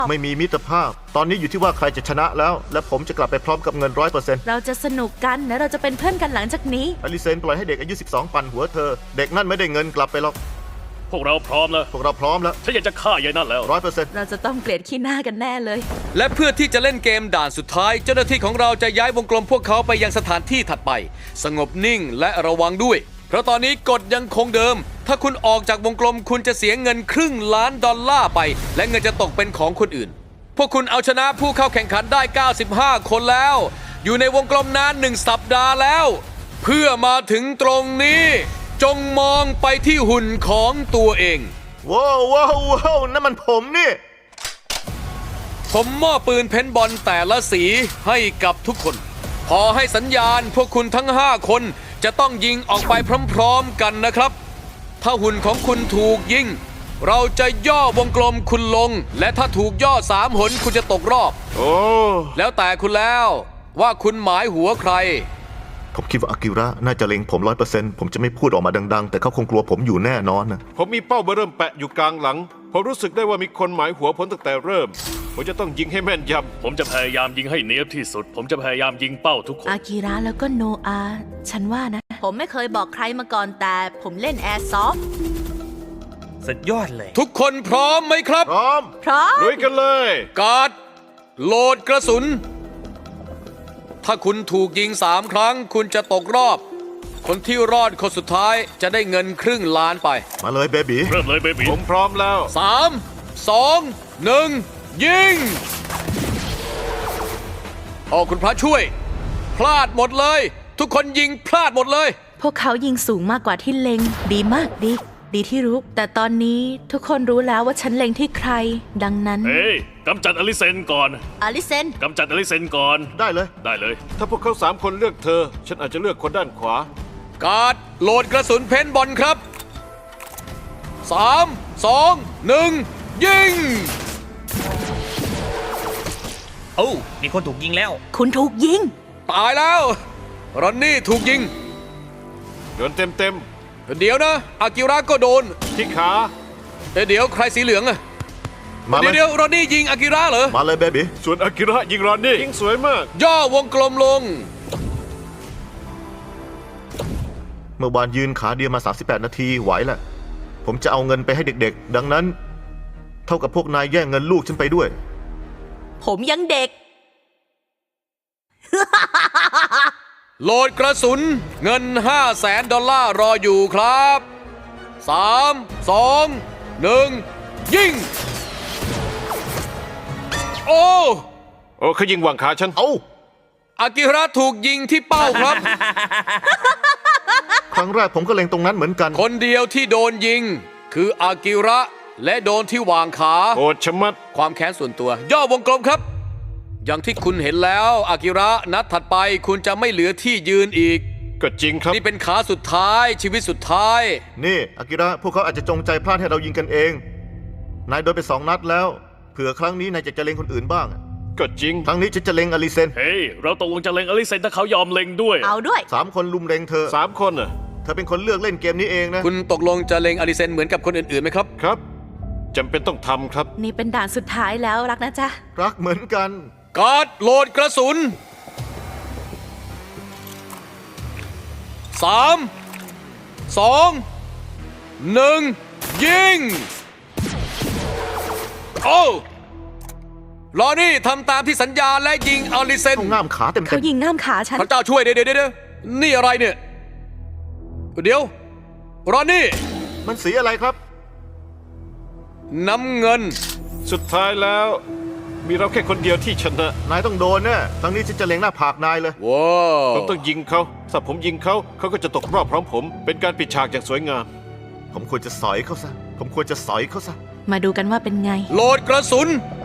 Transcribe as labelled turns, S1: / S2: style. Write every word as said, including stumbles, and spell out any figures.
S1: ไม่มีมิตรภาพตอนนี้อยู่ที่ว่าใครจะชนะแล้วและผมจะกลับไปพร้อมกับเงินร้อยเปอร์เซ็นต์
S2: เราจะสนุกกันและเราจะเป็นเพื่อนกันหลังจากนี้
S1: อลิเซนปล่อยให้เด็กอายุสิบสองปั่นหัวเธอเด็กนั่นไม่ได้เงินกลับไปหรอก
S3: พวกเราพร้อมแล้ว
S1: พวกเราพร้อมแล้ว
S3: ฉันอยากจะฆ่ายายนั่นแล้ว
S1: ร้อยเปอร์เซ็นต์
S2: เราจะต้องเกลียดขี้หน้ากันแน่เลย
S4: และเพื่อที่จะเล่นเกมด่านสุดท้าย เจ้าหน้าที่ของเราจะย้ายวงกลมพวกเขาไปยังสถานที่ถัดไป สงบนิ่งและระวังด้วย เพราะตอนนี้กฎยังคงเดิม ถ้าคุณออกจากวงกลมคุณจะเสียเงินครึ่งล้านดอลลาร์ไป และเงินจะตกเป็นของคนอื่น พวกคุณเอาชนะผู้เข้าแข่งขันได้ เก้าสิบห้า คนแล้ว อยู่ในวงกลมนานหนึ่งสัปดาห์แล้ว เพื่อมาถึงตรงนี้ จงมองไปที่หุ่นของตัวเอง
S1: ว้าวว้าวว้าวนั่นมันผมนี่
S4: ผมมอบปืนเพนบอลแต่ละสีให้กับทุกคน พอให้สัญญาณพวกคุณทั้งห้าคนจะต้องยิงออกไปพร้อมๆกันนะครับ ถ้าหุ่นของคุณถูกยิง เราจะย่อวงกลมคุณลง และถ้าถูกย่อสามหนคุณจะตกรอบ
S1: โอ้
S4: แล้วแต่คุณแล้วว่าคุณหมายหัวใคร
S1: ผมคิดว่าอากิระน่าจะเล็งผมร้อยเปอร์เซ็นต์ผมจะไม่พูดออกมาดังๆ แต่เขาคงกลัวผมอยู่แน่นอนนะ
S5: ผมมีเป้าเบอร์เริ่มแปะอยู่กลางหลัง ผมรู้สึกได้ว่ามีคนหมายหัวผมตั้งแต่เริ่ม ผมจะต้องยิงให้แม่นย
S3: ผมจะพยายามยิงให้เนียบที่สุด ผมจะพยายามยิงเป้าทุกคน
S2: อากิระแล้วก็โนอา ฉันว่านะ ผมไม่เคยบอกใครมาก่อนแต่ผมเล่นแอร์ซอฟต์
S6: สุดยอดเลย
S4: ทุกคนพร้อมไหมครับ
S1: พร้อม
S2: พร้อม
S5: ำลุยกันเลย
S4: การ์ดโหลดกระสุน ถ้าคุณถูกยิงสามครั้ง คุณจะตกรอบ คนที่รอดคนสุดท้ายจะได้เงินครึ่งล้านไป
S1: มาเลยเบบี
S3: เริ่มเลยเบบี
S5: ผมพร้อมแล้ว
S4: สามสองหนึ่งยิงโอ้คุณพระช่วย พลาดหมดเลย ทุกคนยิงพลาดหมดเลย
S2: พวกเขายิงสูงมากกว่าที่เล็ง ดีมากดี ดีที่รู้ แต่ตอนนี้ทุกคนรู้แล้วว่าฉันเล็งที่ใคร ดังนั้น
S3: เฮ้ยกำจัดอลิเซนก่อน
S2: อลิเซน
S3: กำจัดอลิเซนก่อน
S1: ได้เลย
S3: ได้เลย
S5: ถ้าพวกเขาสามคนเลือกเธอ ฉันอาจจะเลือกคนด้านขวา
S4: การ์ดโหลดกระสุนเพนบอลครับสามสองหนึ่งยิง
S6: โอ้มีคนถูกยิงแล้ว
S2: คุณถูกยิง
S4: ตายแล้วรอนนี่ถูกยิง
S5: โดนเต็มเต็ม
S4: เดี๋ยวนะอากิระก็โดน
S5: ๆที่ขา
S4: เอ้ยเดี๋ยวใครสีเหลืองอะ
S1: มาเล
S4: เดี๋ยวย เดี๋ยวรอนนี่ยิงอากิระเหรอ
S1: มาเลยเบบี
S5: ส่วนอากิระยิงรอนนี่ยิงสวยมาก
S4: ย่อวงกลมลง
S1: เมื่อวานยืนขาเดียวมาสามสิบแปดนาทีไหวแหละผมจะเอาเงินไปให้เด็กๆ ดังนั้น เท่ากับพวกนายแย่งเงินลูกฉันไปด้วย
S2: ผมยังเด็ก
S4: โหลดกระสุนเงินห้าแสนดอลลาร์รออยู่ครับสามสองหนึ่งยิง โอ้
S5: โอ้เขายิงหวังขาฉัน
S1: เอ้า
S4: อากิระถูกยิงที่เป้าครับ
S1: ครั้งแรกผมก็เล็งตรงนั้นเหมือนกัน
S4: คนเดียวที่โดนยิง คืออากิระและโดนที่วางขา
S5: โอดชะมัด
S4: ความแค้นส่วนตัว ย่อวงกลมครับ อย่างที่คุณเห็นแล้วอากิระนัดถัดไปคุณจะไม่เหลือที่ยืนอีก
S5: ก็จริงครับ
S4: นี่เป็นขาสุดท้ายชีวิตสุดท้าย
S1: นี่อากิระพวกเขาอาจจะจงใจพลาดให้เรายิงกันเอง นายโดนไปสองนัดแล้ว เผื่อครั้งนี้นายจะจะเล็งคนอื่นบ้าง
S5: ก็จริง
S1: ครั้งนี้ฉันจะเล็งอลิเซน
S3: เฮ้ย เราตกลงจะเล็งอลิเซนถ้าเขายอมเล็งด้วย
S2: เอาด้วย
S1: สามคนลุมเล็งเธอ
S5: สามคนน่ะ
S1: เธอเป็นคนเลือกเล่นเกมนี้เองนะ
S4: คุณตกลงจะเล็งอลิเซนเหมือนกับคนอื่นๆไหมครับ
S5: ครับจำเป็นต้องทำครับ
S2: นี่เป็นด่านสุดท้ายแล้วรักนะจ๊ะ
S1: รักเหมือนกัน
S4: การ์ดโหลดกระสุนสามสองหนึ่งยิง โอ้รอนี่ทำตามที่สัญญาและยิงอลิเซน
S1: ต้องง่ามขาเต็ม
S2: เขา
S1: เต็ม
S2: ยิงง่ามขาฉัน
S4: พระเจ้าช่วยเดี๋ยวเดี๋ยวเดี๋ยวนี่อะไรเนี่ย เดี๋ยวรอนี่
S1: มันสีอะไรครับ
S4: น้ำเงิน
S5: สุดท้ายแล้ว มีเราแค่คนเดียวที่ชนะ
S1: นายต้องโดนแน่ครั้งนี้ฉันจะเล็งหน้าผากนายเลย
S4: ว้าว
S5: ผมต้องยิงเขาถ้าผมยิงเขาเขาก็จะตกรอบพร้อมผม เป็นการปิดฉากอย่างสวยงาม
S1: ผมควรจะสอยเขาซะ ผมควรจะสอยเขาซะ
S2: มาดูกันว่าเป็นไง
S4: โหลดกระสุน